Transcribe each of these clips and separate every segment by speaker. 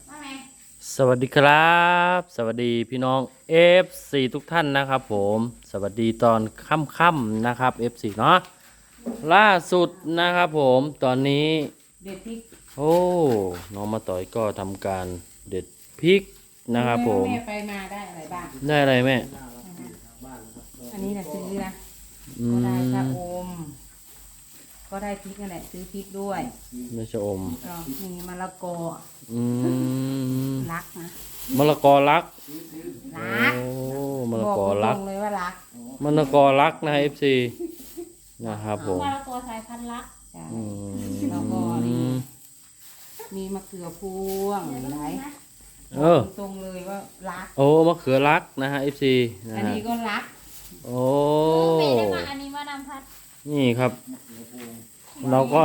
Speaker 1: สวัสดีครับสวัสดีพี่น้อง F4 ทุกท่านนะครับผมสวัสดีตอนค่ำๆนะครับ F4 เนาะล่าสุดนะครับผมตอนนี้
Speaker 2: เด็ดพริก
Speaker 1: โอ้น้องมาต่อยก็ทำการเด็ดพริกนะครับผม
Speaker 2: แม่ไปมาได้อะไรบ้าง
Speaker 1: ได้อะไรแม่
Speaker 2: อันนี้นะซื้อนะ
Speaker 1: อื
Speaker 2: ก็ได้ชะ
Speaker 1: ม
Speaker 2: อมก็ได้พริกนั่นแหละซื้อพริกด้วย
Speaker 1: ไม่ชะอม
Speaker 2: ก็มีมะละกอ
Speaker 1: อืม
Speaker 2: รักนะ
Speaker 1: มะละกอรัก
Speaker 2: รัก
Speaker 1: โอ้มะละ
Speaker 2: บอก
Speaker 1: กอ
Speaker 2: ตร
Speaker 1: รัก
Speaker 2: งเลยว่ารัก
Speaker 1: มะละกอรักนะ FC นะครับผม
Speaker 3: มะละกอสายพันธุ์ลัก
Speaker 2: จ้ะ
Speaker 1: อืม
Speaker 2: แล้วก็นี่มีมะเขือพวงไหนตรงเลยว่ารัก
Speaker 1: โอ้มะเขือรักนะฮะ FC นะ
Speaker 2: อัน
Speaker 1: ฮะ
Speaker 2: นี้ก็รัก
Speaker 1: โอ้
Speaker 3: เมย์ได้มาอันนี้มานำพัด
Speaker 1: นี่ครับ เราก็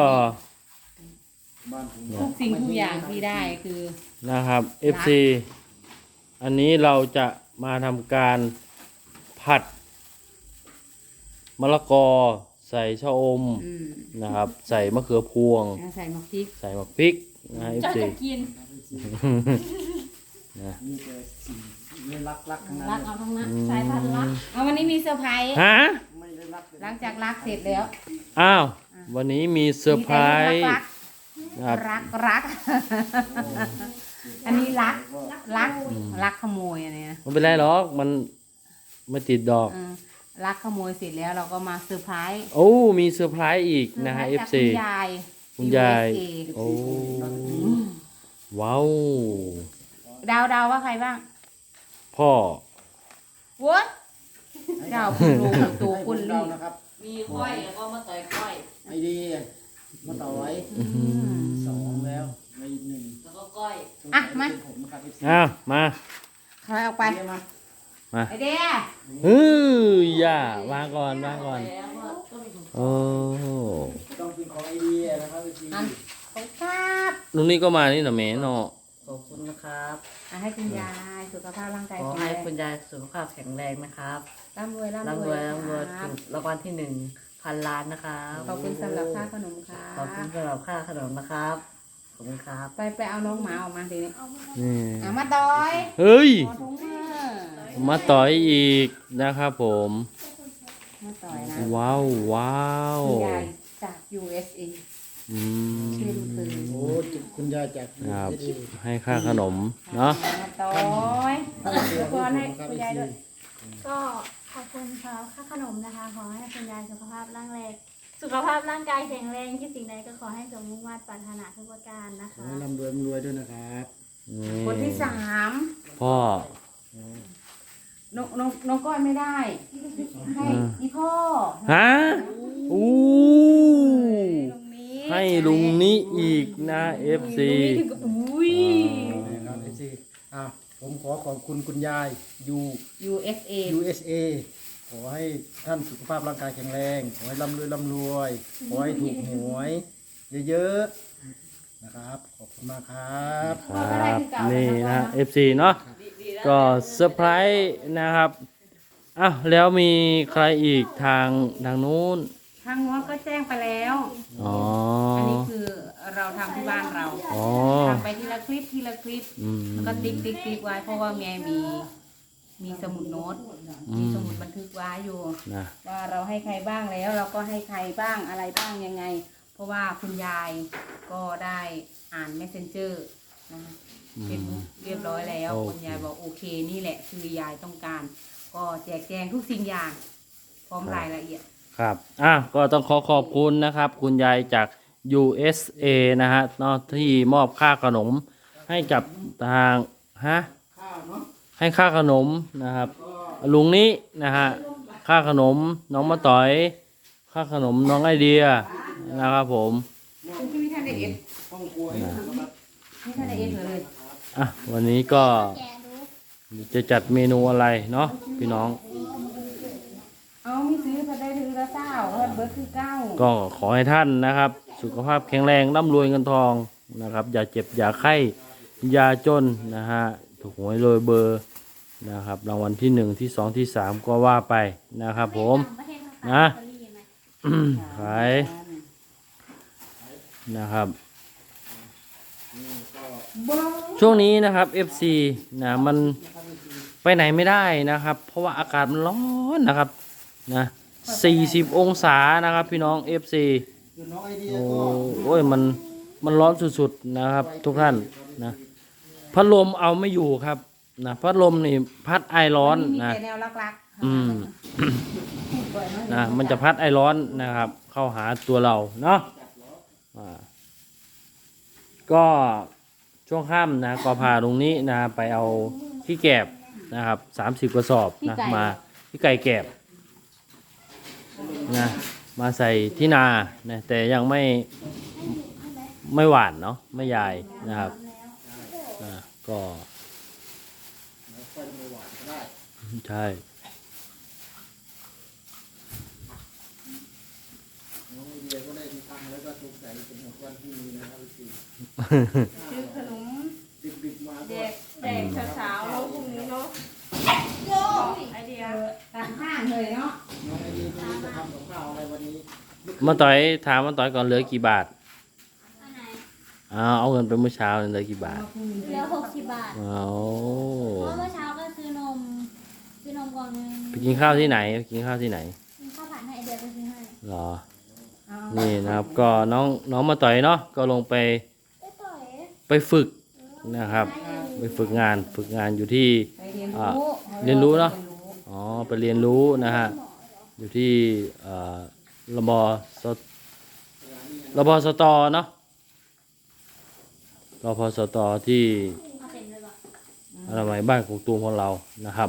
Speaker 2: ทุกสิ่งทุกอย่างที่ได้คือ
Speaker 1: นะครับ FC อันนี้เราจะมาทำการผัดมะละกอใส่ชะอมนะครับ ใส่มะเขือพวง
Speaker 2: ใส่มะพริก
Speaker 1: ใส่มะพริกนะ
Speaker 3: จะ
Speaker 1: FC
Speaker 3: จะกิน
Speaker 1: นะ
Speaker 4: นี่คือสิ่งไม่รักทั้งนั้น
Speaker 3: ลักเอาทั้งนั้นสายพันธุ์ลัก
Speaker 2: เอาวันนี้มีเซอร์ไพรส์
Speaker 1: ฮะ
Speaker 4: ไม่ได้รักเลย
Speaker 2: หลังจากรักเสร็จแล้ว
Speaker 1: อ้าว วันนี้มีเซอร์ไพรส์
Speaker 2: รัก
Speaker 1: นะครับ
Speaker 2: รัก อันนี้รักขโมยอันนี้นะ
Speaker 1: ไม่เป็นไรหรอกมันไม่ติดดอก
Speaker 2: รักขโมยเสร็จแล้วเราก็มาเซอร์ไพรส์
Speaker 1: โอ้มีเซอร์ไพรส์อีกนะฮะ
Speaker 2: จาก
Speaker 1: FC
Speaker 2: คุณยาย
Speaker 1: คุณยาย
Speaker 2: USA
Speaker 1: โอ้ว้าว
Speaker 2: ดาวว่าใครบ้าง
Speaker 1: พ่อ
Speaker 2: วัดดาวคุณลุงตัว
Speaker 4: ให้
Speaker 2: คุณ
Speaker 4: เรา
Speaker 2: ลี่
Speaker 4: นะครับ
Speaker 3: มีก้อยแล้วก็มาต่อยก้อย
Speaker 4: ไอเดียมาต่อไว้สองแล้วไม่หนึ่ง
Speaker 3: แล้วก็ก้อย
Speaker 4: เป็นผมนะครับ FC
Speaker 1: อ้าวมา
Speaker 2: ใครเอาไป
Speaker 4: เดียมา
Speaker 1: มา
Speaker 2: ไอเดีย
Speaker 1: อย่าวางก่อนวางก่อน
Speaker 3: แล้วก็ก็มีถุง
Speaker 1: โอ้
Speaker 4: ต้องเป็นของไอเดียนะครับ FC
Speaker 2: อันของครับ
Speaker 1: ลุงนี่ก็มานี่นะแม่เนาะ
Speaker 5: ขอบคุณนะครับ
Speaker 2: ให้คุณยายสุขภาพร่างกาย
Speaker 5: ขอ
Speaker 2: แข็ง
Speaker 5: ให้
Speaker 2: แรง
Speaker 5: คุณยายสุขภาพแข็งแรงนะครับ
Speaker 2: ร่ำรวย
Speaker 5: ร่ำรวยร่ำรวย
Speaker 2: ครั
Speaker 5: ถู
Speaker 2: บ
Speaker 5: กรางวัลที่1,000 ล้านนะครับ
Speaker 2: ขอบคุณสำหรับค่าขนมครั
Speaker 5: ขอบคุณ
Speaker 2: บ
Speaker 5: สำหรับค่าขนมนะครับ ขอบคุณครับ
Speaker 2: ไปเอาน้องหมาออกมาทีนี้
Speaker 1: นี่
Speaker 2: มาต่อย
Speaker 1: เฮ้ย
Speaker 2: ขอถุงมือ
Speaker 1: มาต่อยอีกนะครับผม
Speaker 2: มาต่อยนะ
Speaker 1: ว้าวว้าว
Speaker 2: คุณยายจาก USA
Speaker 1: อืม
Speaker 2: เช่นเคย
Speaker 4: โอ้คุณยายจาก
Speaker 1: ครับ
Speaker 4: ดี
Speaker 1: ให้ค่าขนมเนาะ
Speaker 2: มาต่อยทุกคนให้คุณยายด้วย
Speaker 3: ก็ขอบคุณสำหรับค่าขนมนะคะ ขอให้คุณยายสุขภาพร่างกายแข็งแรงคิดสิ่งใดก็ขอให้สมมุ่งมั่นปรารถนาทุกประการนะ
Speaker 4: ขอ
Speaker 3: คะ
Speaker 4: ให้ร่ำรวยด้วยนะครับ
Speaker 1: นี่
Speaker 2: คนที่สาม
Speaker 1: พ่อ
Speaker 2: น้องก้อยไม่ได้ ให้อีพ่อ
Speaker 1: ฮะอู้
Speaker 2: ตรงนี้
Speaker 1: ให้ลุงนี้อีกนะ FC
Speaker 2: ลุงนี้ถึงกับอุ้ย
Speaker 4: นะครับ FC ผมขอขอบคุณคุณยาย
Speaker 2: USA
Speaker 4: USA ขอให้ท่านสุขภาพร่างกายแข็งแรง ขอให้ร่ำรวยขอให้ถูกหวยเยอะๆนะครับ ขอบคุณมากครับ
Speaker 1: ครับนี่นะ FC เนาะก็เซอร์ไพรส์นะครับอ้าวแล้วมีใครอีกทางนู้น
Speaker 2: ทางโน้นก็แจ้งไปแล้ว
Speaker 1: อ๋อ
Speaker 2: อันนี้คือเราทำที่บ้านเรา
Speaker 1: อ๋อ
Speaker 2: ทำไปทีละคลิป
Speaker 1: อืม
Speaker 2: แล้วก็ติ๊กไว้เพราะว่าแม่มีสมุดโน้ตมีสมุดบันทึกไว้อยู่
Speaker 1: นะ
Speaker 2: ว่าเราให้ใครบ้างแล้วเราก็ให้ใครบ้างอะไรบ้างยังไง เพราะว่าคุณยายก็ได้อ่าน Messenger นะคะเป็นเรียบร้อยแล้วคุณยายบอกโอเคนี่แหละคือยายต้องการ ก็แจกแจงทุกสิ่งอย่าง พร้อมรายละเอียด
Speaker 1: ครับก็ต้องขอบคุณนะครับ คุณยายจาก USA นะฮะเนาะที่มอบค่าขนมให้กับทางให้ค่าขนมนะครับ ลุงนี้นะฮะค่าขนมน้องมาต่อย ค่าขนมน้องไอเดียนะครับผม
Speaker 2: ที่ไม่ทันได้เอ็ด
Speaker 4: ห้องครัวนะครับ
Speaker 2: ไม่ทันได้เอ็ดเลย
Speaker 1: วันนี้ก็
Speaker 3: แกะดู
Speaker 1: จะจัดเมนูอะไรเนาะพี่น้อง
Speaker 2: เอาไม่ซื้อจะได้ถือละเก้าเพิ่นเบิร์ดคือเก้า
Speaker 1: ก็ขอให้ท่านนะครับ สุขภาพแข็งแรงร่ำรวยเงินทองนะครับ อย่าเจ็บอย่าไข้อย่าจนนะฮะถูกหวยโรยเบอร์นะครับรางวัลที่1ที่2ที่3ก็ว่าไปนะครับผม
Speaker 3: ประเทศเขา
Speaker 1: นะ
Speaker 3: ขายลอตเตอรี่ไหม
Speaker 1: ขายนะครับ
Speaker 4: นี่ก็
Speaker 1: ช่วงนี้นะครับ FC นะมันไปไหนไม่ได้นะครับ เพราะว่าอากาศมันร้อนนะครับนะ40 องศานะครับพี่น้อง FC
Speaker 4: คือน้องไอเดีย
Speaker 1: โอ้
Speaker 4: ก็
Speaker 1: โอ้ยมันร้อนสุดๆนะครับทุกท่านนะพัดลมเอาไม่อยู่ครับนะพัดลมนี่พัดไอร้อน
Speaker 2: มี
Speaker 1: นะ
Speaker 2: แต่แนวรักๆ
Speaker 1: อืม นะมันจะพัดไอร้อนนะครับ เข้าหาตัวเราเนาะก็ช่วงค่ำนะก็พาตรงนี้นะไปเอาขี้แกบนะครับ30 กระสอบนะมาขี้ไก่แกบนะมาใส่ที่นานะแต่ยังไม่หวานเนาะไม่ยายนะครับก็
Speaker 4: ค่อยมาหวานก็ได้
Speaker 1: ใช่
Speaker 4: น้องไอเดียก็ได้ที่ตั้งแล้วก็ถูกใจเป็นของวันที่นี้นะครับพี่
Speaker 2: ซื้อขนม
Speaker 4: ดึกๆมา
Speaker 2: แจ
Speaker 4: ก็
Speaker 2: กแจกเช้าๆแล้วพรุ่งนี้เนาะไอเดียตามห้างเลยเนาะ
Speaker 4: น้องไอเดียไม่รู้จะทำกับข้าวอะไรวันนี้
Speaker 1: มาต่อยถามมาต่อยก่อนเหลือกี่บาท
Speaker 3: อันไหน
Speaker 1: เอาเงินไปเมื่อเช้าเหลือกี่บาท
Speaker 3: เหลือ60 บาท
Speaker 1: เอา
Speaker 3: เพราะเมื่อเช้าก็ซื้อนมกล่องนึง
Speaker 1: ไปกินข้าวที่ไหนไปกินข้าวที่ไหน
Speaker 3: มีข้าวผัดให้ไอเดียไปซื้อให้
Speaker 1: เหรอ
Speaker 2: เอา
Speaker 1: นี่นะครับก็น้องมาต่อยเนาะก็ลงไป
Speaker 3: ไปต่อย
Speaker 1: ไปฝึกนะครับ ไปฝึกงานอยู่ที่
Speaker 2: ไปเรียน
Speaker 1: อ่า
Speaker 2: รู้
Speaker 1: เรียนรู้เนาะ อ๋อไปเรียนรู้นะฮะอยู่ที่ระบสระบสตเนาะรพสตที่
Speaker 3: เอาเต็มเลยป่ะ
Speaker 1: อนามัยบ้านกกตูมของเรานะครับ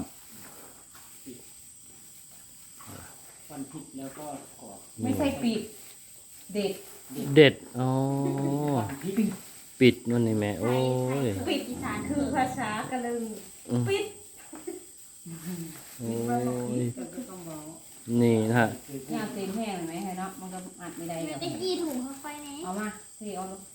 Speaker 4: ฟันผิดแล้วก็กรอบ
Speaker 2: ไม่ใช่ปิดเด็ด
Speaker 1: เด็ดอ๋อปิดนั่นนี่แม่โอ้ย
Speaker 3: ปิดอีสาน
Speaker 2: คือภาษากะลึง
Speaker 1: อืม
Speaker 2: ปิด
Speaker 1: โอ้ยนี่นะฮะ
Speaker 2: เนี่ยเอาเต็มแห้งเลยไหมเนาะมันก็อัดไม่ได้
Speaker 3: เดี๋
Speaker 2: เดี๋
Speaker 3: ย
Speaker 2: ยว ว
Speaker 3: จะกี่ถุงเข้าไปไหน
Speaker 2: เอามาที่เอาลูก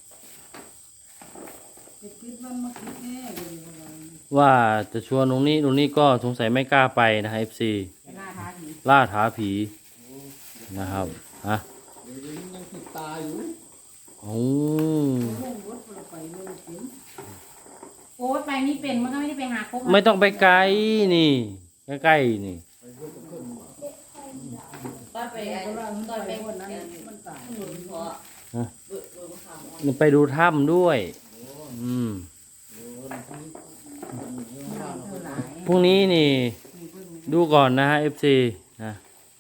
Speaker 1: ว่าจะชวนตรงนี้ก็สงสัยไม่กล้าไปนะฮะ FC
Speaker 2: ไปล่าท้าผี
Speaker 1: ล่าท้าผีนะครับฮะ
Speaker 4: เดี๋ยวนี้ยังติดตาอยู่
Speaker 1: โอ้
Speaker 2: โอ้ยไปนี่เป็นมันก็ไม่ได้ไปหาครบ
Speaker 1: ไม่ต้องไปไกลนี่ใกล้ๆนี่ นี่ไปดูถ้ำด้วย อืม พรุ่งนี้นี่ ดูก่อนนะฮะ FC นะ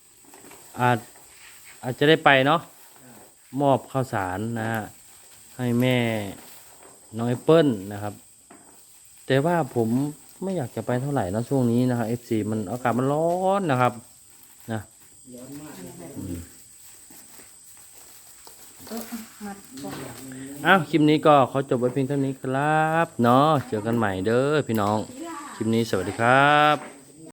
Speaker 1: อาจจะได้ไปเนาะ มอบข้าวสารนะฮะ ให้แม่น้องแอปเปิ้ลนะครับ แต่ว่าผมไม่อยากจะไปเท่าไหร่นะช่วงนี้นะครับ FC มันอากาศมันร้อนนะครับ นะ
Speaker 2: มัดก่อน
Speaker 1: อ้าวคลิปนี้ก็ขอจบไว้เพียงเท่านี้ครับเนาะเจอกันใหม่เด้อพี่น้อง คลิปนี้สวัสดีครับ